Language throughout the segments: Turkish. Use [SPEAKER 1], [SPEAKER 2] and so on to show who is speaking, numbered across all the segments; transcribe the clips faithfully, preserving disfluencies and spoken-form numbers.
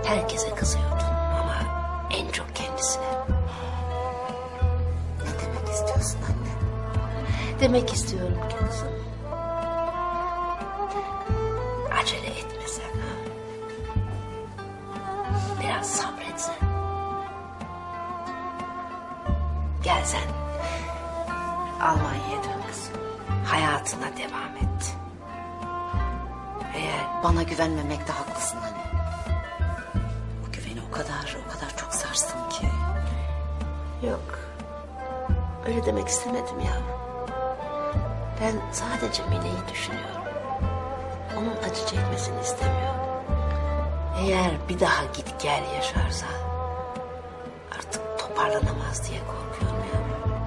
[SPEAKER 1] Herkese kızıyordun ama en çok kendisine.
[SPEAKER 2] Ne demek istiyorsun anne?
[SPEAKER 1] Demek istiyorum ki kızım. Acele etmesen. Biraz sabretsen. Gelsen. Almanya'ya dön kızım. Hayatına devam et. Eğer
[SPEAKER 2] Bana güvenmemekte haklısın anne. Bu güveni o kadar, o kadar çok sarstım ki.
[SPEAKER 1] yok. Öyle demek istemedim ya. Ben sadece Mine'yi düşünüyorum. Onun acı çekmesini istemiyorum. Eğer bir daha git gel yaşarsa artık toparlanamaz diye korkuyorum ya.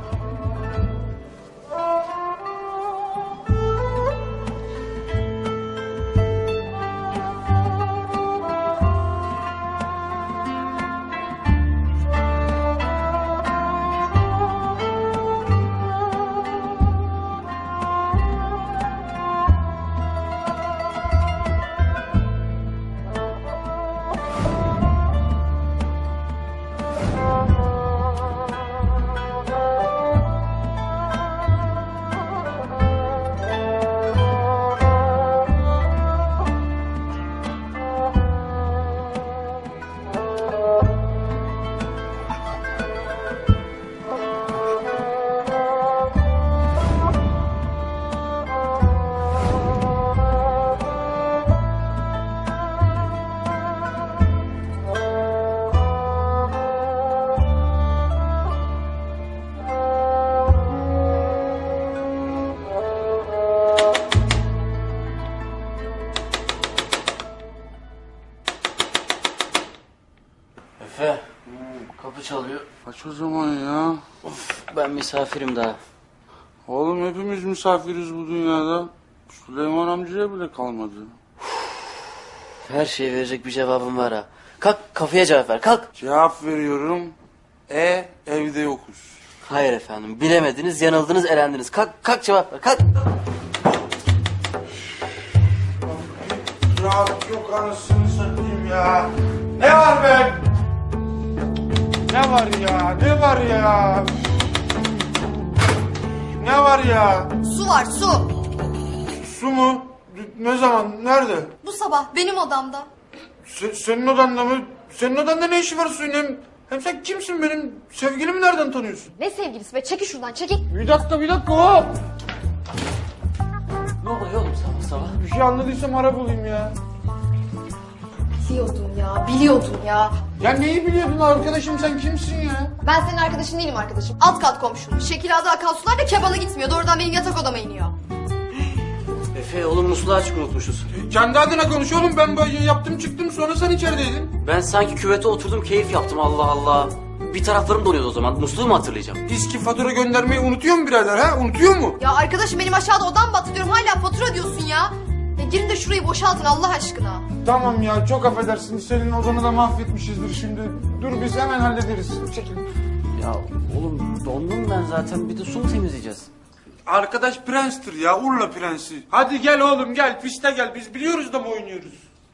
[SPEAKER 3] Efe, kapı çalıyor.
[SPEAKER 4] Aç o zaman ya.
[SPEAKER 3] Of, ben misafirim daha.
[SPEAKER 4] Oğlum hepimiz misafiriz bu dünyada. Süleyman amcaya bile kalmadı.
[SPEAKER 3] Her şeye verecek bir cevabım var ha. Kalk, kafaya cevap ver, kalk.
[SPEAKER 4] Cevap veriyorum. E evde yokuz.
[SPEAKER 3] Hayır efendim, bilemediniz, yanıldınız, elendiniz. Kalk, kalk cevap ver, kalk.
[SPEAKER 4] Rahat yok anasını satayım ya. Ne var be? Ne var ya? Ne var ya? Ne var ya?
[SPEAKER 5] Su var su.
[SPEAKER 4] Su mu? Ne zaman? Nerede?
[SPEAKER 5] Bu sabah benim odamda.
[SPEAKER 4] Se- senin odanda mı? Senin odanda ne işi var suyun? Hem, hem sen kimsin benim? Sevgilimi nereden tanıyorsun?
[SPEAKER 5] Ne sevgilisi be, çekil şuradan çekil.
[SPEAKER 4] Bir dakika bir dakika hop.
[SPEAKER 3] Ne oluyor oğlum sabah sabah?
[SPEAKER 4] Bir şey anladıysam ara bulayım ya.
[SPEAKER 5] Biliyordum ya, biliyordum ya.
[SPEAKER 4] Ya neyi biliyordun arkadaşım, sen kimsin ya?
[SPEAKER 5] Ben senin arkadaşın değilim arkadaşım. Alt kat komşum. Şekilada akan sular da kebana gitmiyor. Doğrudan benim yatak odama iniyor.
[SPEAKER 3] Efe, oğlum musluğu açık unutmuşuz.
[SPEAKER 4] Kendi adına konuş oğlum, ben böyle yaptım çıktım sonra sen içerideydin.
[SPEAKER 3] Ben sanki küvete oturdum, keyif yaptım, Allah Allah. Bir taraflarım donuyordu o zaman, musluğu mu hatırlayacağım?
[SPEAKER 4] İSKİ fatura göndermeyi unutuyor mu birader ha? Unutuyor mu?
[SPEAKER 5] Ya arkadaşım benim aşağıda odam battı diyorum. Hala fatura diyorsun ya. Ya girin de şurayı boşaltın Allah aşkına.
[SPEAKER 4] Tamam ya, çok affedersin, senin odanı da mahvetmişizdir şimdi. Dur biz hemen hallederiz. Çekil.
[SPEAKER 3] Ya oğlum dondum ben zaten, bir de su mu temizleyeceğiz?
[SPEAKER 4] Arkadaş prenstir ya, Urla prensi. Hadi gel oğlum gel, piste gel, biz biliyoruz da mı oynuyoruz?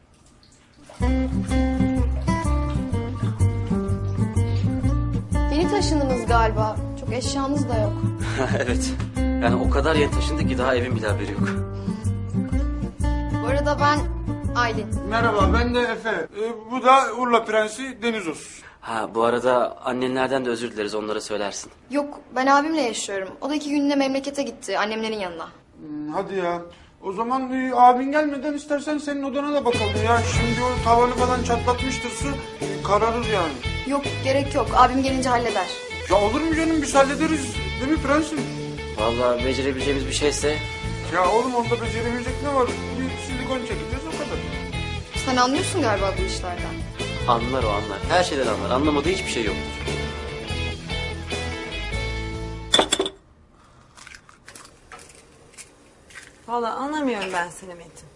[SPEAKER 5] Yeni taşındınız galiba. Çok eşyanız da yok.
[SPEAKER 3] Evet, yani o kadar yeni taşındık ki daha evin bile haberi yok.
[SPEAKER 5] Bu arada ben Aylin.
[SPEAKER 4] Merhaba, ben de Efe. Ee, bu da Urla prensi Deniz olsun.
[SPEAKER 3] Ha, bu arada annenlerden de özür dileriz, onlara söylersin.
[SPEAKER 5] Yok, ben abimle yaşıyorum. O da iki günlüğüne memlekete gitti, annemlerin yanına.
[SPEAKER 4] Hmm, hadi ya. O zaman e, abin gelmeden istersen senin odana da bakalım ya. Şimdi o tavanı falan çatlatmıştır su. e, kararır yani.
[SPEAKER 5] Yok, gerek yok. Abim gelince halleder.
[SPEAKER 4] Ya olur mu canım, biz hallederiz. Değil mi prensim?
[SPEAKER 3] Vallahi becerebileceğimiz bir şeyse...
[SPEAKER 4] Ya oğlum onda beceremeyecek ne var? Bir silikon çekeceğiz o kadar.
[SPEAKER 5] Sen anlıyorsun galiba bu işlerden.
[SPEAKER 3] Anlar o anlar. Her şeyden anlar. Anlamadığı hiçbir şey yoktur.
[SPEAKER 6] Vallahi anlamıyorum ben seni Metin.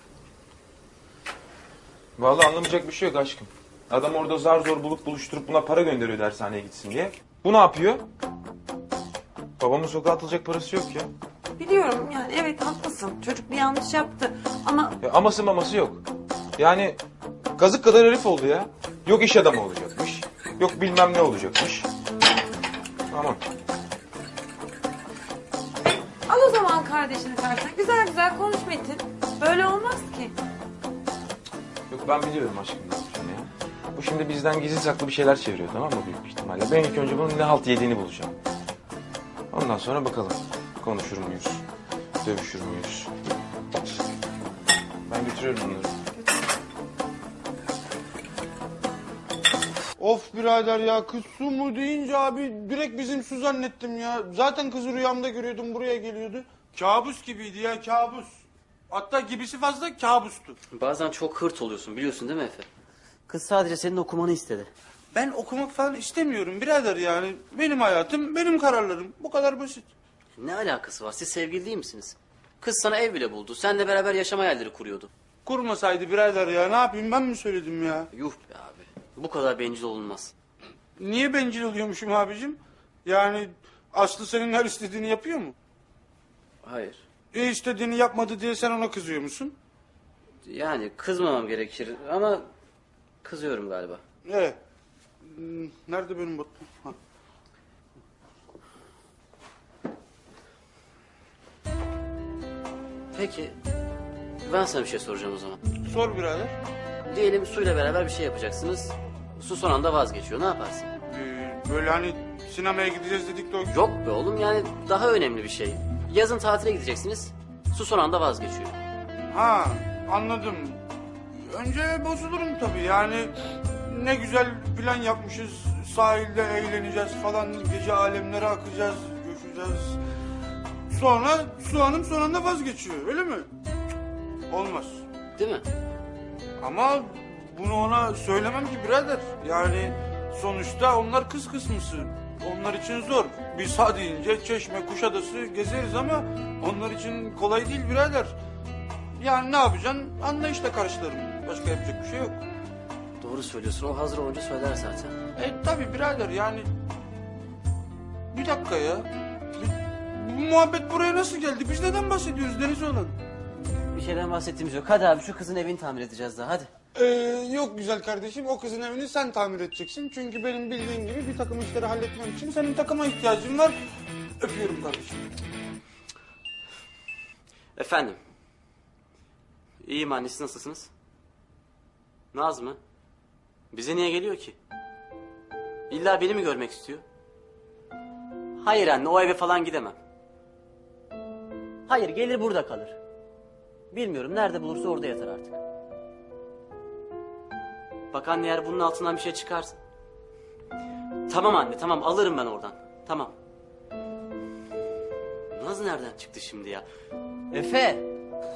[SPEAKER 7] Vallahi anlamayacak bir şey yok aşkım. Adam orada zar zor bulup buluşturup buna para gönderiyor dershaneye gitsin diye. Bu ne yapıyor? Babamın sokağa atılacak parası yok ya.
[SPEAKER 6] Biliyorum yani, evet haklısın. Çocuk bir yanlış yaptı ama
[SPEAKER 7] Ya aması maması yok. Yani kazık kadar herif oldu ya. Yok iş adamı olacakmış. Yok bilmem ne olacakmış. Tamam.
[SPEAKER 6] Al o zaman kardeşini tersen. Güzel güzel konuş Metin. Böyle olmaz ki.
[SPEAKER 7] Yok ben biliyorum aşkım ne yapacağını ya. Bu şimdi bizden gizli saklı bir şeyler çeviriyor, tamam mı, büyük ihtimalle. Ben ilk önce bunun ne halt yediğini bulacağım. Ondan sonra bakalım. Konuşur muyuz? Dövüşür müyüz? Ben götürüyorum bunları.
[SPEAKER 4] Of birader ya, kız su mu deyince abi direkt bizim su zannettim ya. Zaten kızı rüyamda görüyordum, buraya geliyordu. Kabus gibiydi ya, kabus. Hatta gibisi fazla kabustu.
[SPEAKER 3] Bazen çok hırt oluyorsun biliyorsun değil mi Efe? Kız sadece senin okumanı istedi.
[SPEAKER 4] Ben okumak falan istemiyorum birader yani. Benim hayatım, benim kararlarım. Bu kadar basit.
[SPEAKER 3] Ne alakası var? Siz sevgili değil misiniz? Kız sana ev bile buldu. Seninle beraber yaşama hayalleri kuruyordu.
[SPEAKER 4] Kurmasaydı birader ya, ne yapayım, ben mi söyledim ya?
[SPEAKER 3] Yuh be abi. Bu kadar bencil olunmaz.
[SPEAKER 4] Niye bencil oluyormuşum abicim? Yani Aslı senin her istediğini yapıyor mu?
[SPEAKER 3] Hayır.
[SPEAKER 4] E istediğini yapmadı diye sen ona kızıyor musun?
[SPEAKER 3] Yani kızmamam gerekir ama kızıyorum galiba.
[SPEAKER 4] Evet. Hmm, nerede benim botum? Ha.
[SPEAKER 3] Peki ben sana bir şey soracağım o zaman.
[SPEAKER 4] Sor birader.
[SPEAKER 3] Diyelim suyla beraber bir şey yapacaksınız. Su son anda vazgeçiyor. Ne yaparsın?
[SPEAKER 4] Ee, böyle hani sinemaya gideceğiz dedik de o...
[SPEAKER 3] Yok be oğlum yani daha önemli bir şey. Yazın tatile gideceksiniz. Su son anda vazgeçiyor.
[SPEAKER 4] Ha, anladım. Önce bozulurum tabii yani. Ne güzel plan yapmışız. Sahilde eğleneceğiz falan. Gece alemlere akacağız, göçeceğiz. Sonra Su Hanım son anda vazgeçiyor, öyle mi? Olmaz.
[SPEAKER 3] Değil mi?
[SPEAKER 4] Ama bunu ona söylemem ki birader. Yani sonuçta onlar kız kısmısı. Onlar için zor. Biz ha deyince Çeşme, Kuşadası gezeriz ama onlar için kolay değil birader. Yani ne yapacaksın? Anlayışla karşılarım. Başka yapacak bir şey yok.
[SPEAKER 3] Doğru söylüyorsun. O hazır olunca söyler zaten.
[SPEAKER 4] E tabi birader yani... Bir dakika ya. Bu muhabbet buraya nasıl geldi? Biz neden bahsediyoruz Deniz olan?
[SPEAKER 3] Bir şeyden bahsettiğimiz yok. Hadi abi şu kızın evini tamir edeceğiz daha hadi.
[SPEAKER 4] Ee, yok güzel kardeşim, o kızın evini sen tamir edeceksin. Çünkü benim bildiğin gibi bir takım işleri halletmem için senin takıma ihtiyacın var. Öpüyorum kardeşim.
[SPEAKER 3] Efendim. İyiyim anne, siz nasılsınız? Naz mı? Bize niye geliyor ki? İlla beni mi görmek istiyor? Hayır anne, o eve falan gidemem. Hayır, gelir burada kalır. Bilmiyorum, nerede bulursa orada yatar artık. Bak anne, eğer bunun altından bir şey çıkarsın. Tamam anne, tamam, alırım ben oradan. Tamam. Naz nereden çıktı şimdi ya? Efe!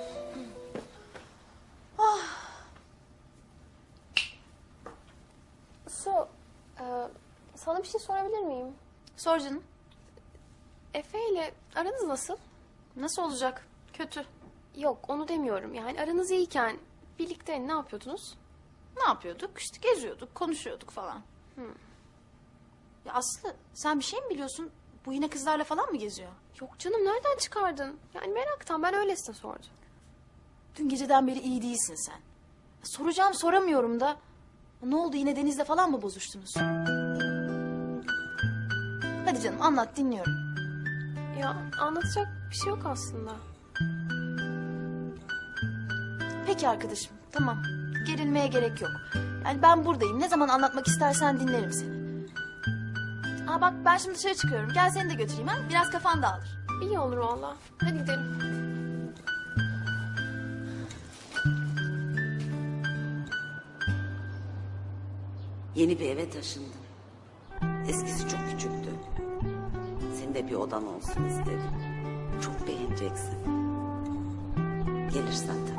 [SPEAKER 5] Su, e, sana bir şey sorabilir miyim?
[SPEAKER 8] Sor canım.
[SPEAKER 5] Efe ile aranız nasıl?
[SPEAKER 8] Nasıl olacak? Kötü.
[SPEAKER 5] Yok, onu demiyorum. Yani aranız iyiyken birlikte ne yapıyordunuz?
[SPEAKER 8] Ne yapıyorduk? İşte geziyorduk, konuşuyorduk falan. Ya Aslı, sen bir şey mi biliyorsun? Bu yine kızlarla falan mı geziyor?
[SPEAKER 5] Yok canım, nereden çıkardın? Yani meraktan, ben öylesine sordum.
[SPEAKER 8] Dün geceden beri iyi değilsin sen. Soracağım soramıyorum da. Ne oldu, yine Deniz'le falan mı bozuştunuz? Hadi canım anlat, dinliyorum.
[SPEAKER 5] Ya anlatacak bir şey yok aslında.
[SPEAKER 8] Peki arkadaşım, tamam. Gerilmeye gerek yok. Yani ben buradayım. Ne zaman anlatmak istersen dinlerim seni. Aa bak, ben şimdi dışarı çıkıyorum. Gel seni de götüreyim ha. Biraz kafan dağılır.
[SPEAKER 5] İyi olur valla. Hadi gidelim.
[SPEAKER 2] Yeni bir eve taşındım. Eskisi çok küçüktü. Senin de bir odan olsun istedim. Çok beğeneceksin. Gelirsen tabii.